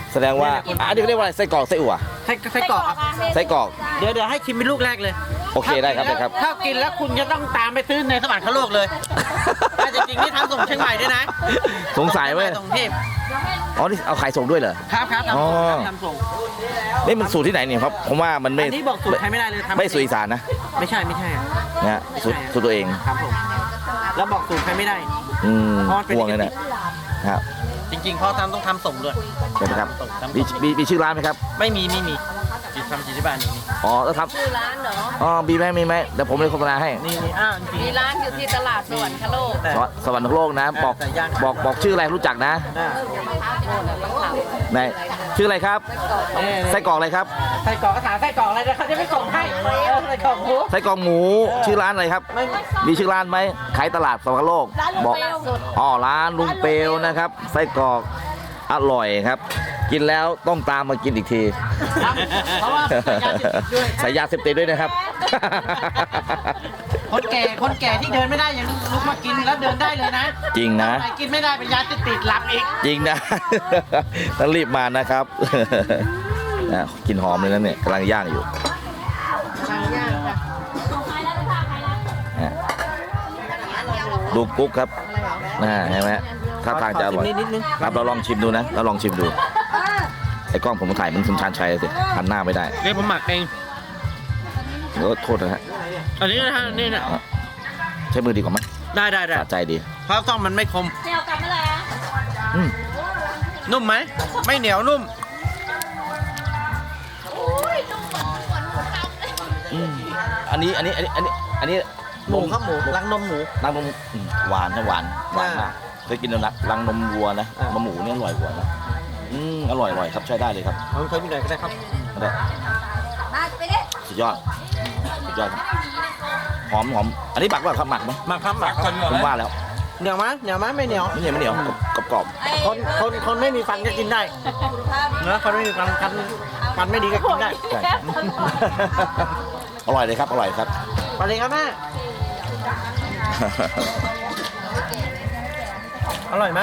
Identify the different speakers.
Speaker 1: แสดงว่าอันนี้เขาเรียกว่าอะไรไส้กรอกไส้อั่ว
Speaker 2: ไส้กรอกครับ
Speaker 1: ไส้กรอก
Speaker 2: เดี๋ยวให้ชิมเป็นลูกแรกเลย
Speaker 1: โอเคได้ครับได้ครับ
Speaker 2: ถ้ากินแล้วคุณจะต้องตามไปซื้อในสวรรคโลกเลยแต่จริงๆนี่ทำส่งเชียงใหม่ด้วยนะ
Speaker 1: สงสัยไหม
Speaker 2: ส่งเทพ
Speaker 1: อ๋อนี่เอาขายส่งด้วยเหรอ
Speaker 2: ครับ
Speaker 1: อ๋อ
Speaker 2: ทำส่ง
Speaker 1: นี่มันสูตรที่ไหนเนี่ยครับผมว่ามันไม่
Speaker 2: อันนี้บอกสูตรใครไม่ได้เลยทำ
Speaker 1: ไม่สูตรอีสานนะ
Speaker 2: ไม่ใช่
Speaker 1: นะฮะสูตรตัวเอง
Speaker 2: ครับผมแล้วบอกสูตรใครไม่ได้
Speaker 1: อืม
Speaker 2: เพราะมันเป็น
Speaker 1: ห่วงเลยนะ ครับ
Speaker 2: จริงๆเขาต้องทำส่งด้วย
Speaker 1: ใช่ไหมครับ
Speaker 2: ส่งทำ
Speaker 1: มีชื่อร้านไหมครับ
Speaker 2: ไม่มีจิตทำจิตที่บ้านนี่
Speaker 1: อ๋อแล้วครับ
Speaker 3: ชื่อร้านเหรอ
Speaker 1: อ๋อมีไหมเดี๋ยวผมเลยโฆษณาให้
Speaker 2: นี่จริง
Speaker 3: มีร้านอยู่ที่ตลาดสวรรคโลก
Speaker 2: แต่
Speaker 1: สวรรคโลกนะบอก
Speaker 2: แต่ย่าง
Speaker 1: บอกชื่ออะไรรู้จักนะ
Speaker 2: อ่า
Speaker 1: ไหนชื่ออะไรครับ
Speaker 2: นี่
Speaker 1: ไส้กรอกอะไรครับ
Speaker 2: ไส้กรอกกระถาไส้กรอกอะไรนะเขาจะไม่ส่งให้ไส้กรอกหมู
Speaker 1: ไส้กรอกหมูชื่อร้านอะไรครับ
Speaker 2: ไม่
Speaker 1: มีชื่อร้านไหมขายตลาดสวรรคโลกบอกอ๋อร้านลุงเปลวนะครับไส้กรอกอร่อยครับ กินแล้วต้องตามมากินอีกที
Speaker 2: ครับเพราะว่าใส่ยาเสพติดด้วย
Speaker 1: ใส่ยาเสพติดด้วยนะครับ
Speaker 2: คนแก่ที่เดินไม่ได้ยังลุกมากินแล้วเดินได้เลยนะ
Speaker 1: จริงนะ
Speaker 2: ใครกินไม่ได้เป็นยาเสพติดหลับอีก
Speaker 1: จริงนะ ต้องรีบมานะครับ นะกลินหอมเลยนะเนี่ยกำลังย่างอยู่นะดูกุ๊กครับเห็นไหมถ้าทางจะอร่อย
Speaker 2: นิดนึง
Speaker 1: ครับเราลองชิมดูนะเราลองชิมดูไอ้กล้องผมถ่ายมันคุณชาญชัยสิหันหน้าไม่ได้
Speaker 2: เดี๋ยวผมหมักเอง
Speaker 1: โทษนะฮะ
Speaker 2: อันนี้นะฮะนี่นะ
Speaker 1: ใช้มือดีกว่าไหม
Speaker 2: ได้
Speaker 1: สะใจดี
Speaker 2: เพราะต้องมันไม่คม
Speaker 3: เที่ยวกลับเมื่อไหร่อะ
Speaker 1: อืม
Speaker 2: นุ่มไหมไม่เหนียวนุ่ม
Speaker 1: อันนี้
Speaker 2: หมู
Speaker 1: นม
Speaker 2: ครับหมูรังนมหมู
Speaker 1: รังนมหวานนะหวานมากเคยกินแล้วนะรังนมวัวนะ
Speaker 2: อ่า
Speaker 1: นมหมูเนี่ยอร่อยกว่านะอร่อยครับใช้ได้เลยครับ
Speaker 2: เอาเคยมีหน่อยก็ได้ครับ
Speaker 1: ได้
Speaker 3: มาไปดิ
Speaker 1: สุดยอดครับหอมอันนี้หมักว่าครับหมักไหม
Speaker 2: หมักครับหมัก
Speaker 1: ผมว่าแล้ว
Speaker 2: เหนียวไหมไม่เหนียว
Speaker 1: ไม่เหนียวกรอบ
Speaker 3: ไอ้
Speaker 2: คนไม่มีฟันก็กินได้นะคนไม่มีฟันไม่ดีก็กินได้
Speaker 1: ๆใช่ อร่อยเลยครับอร่อยครับ
Speaker 2: ไปเลยครับแม่อร่อยไหม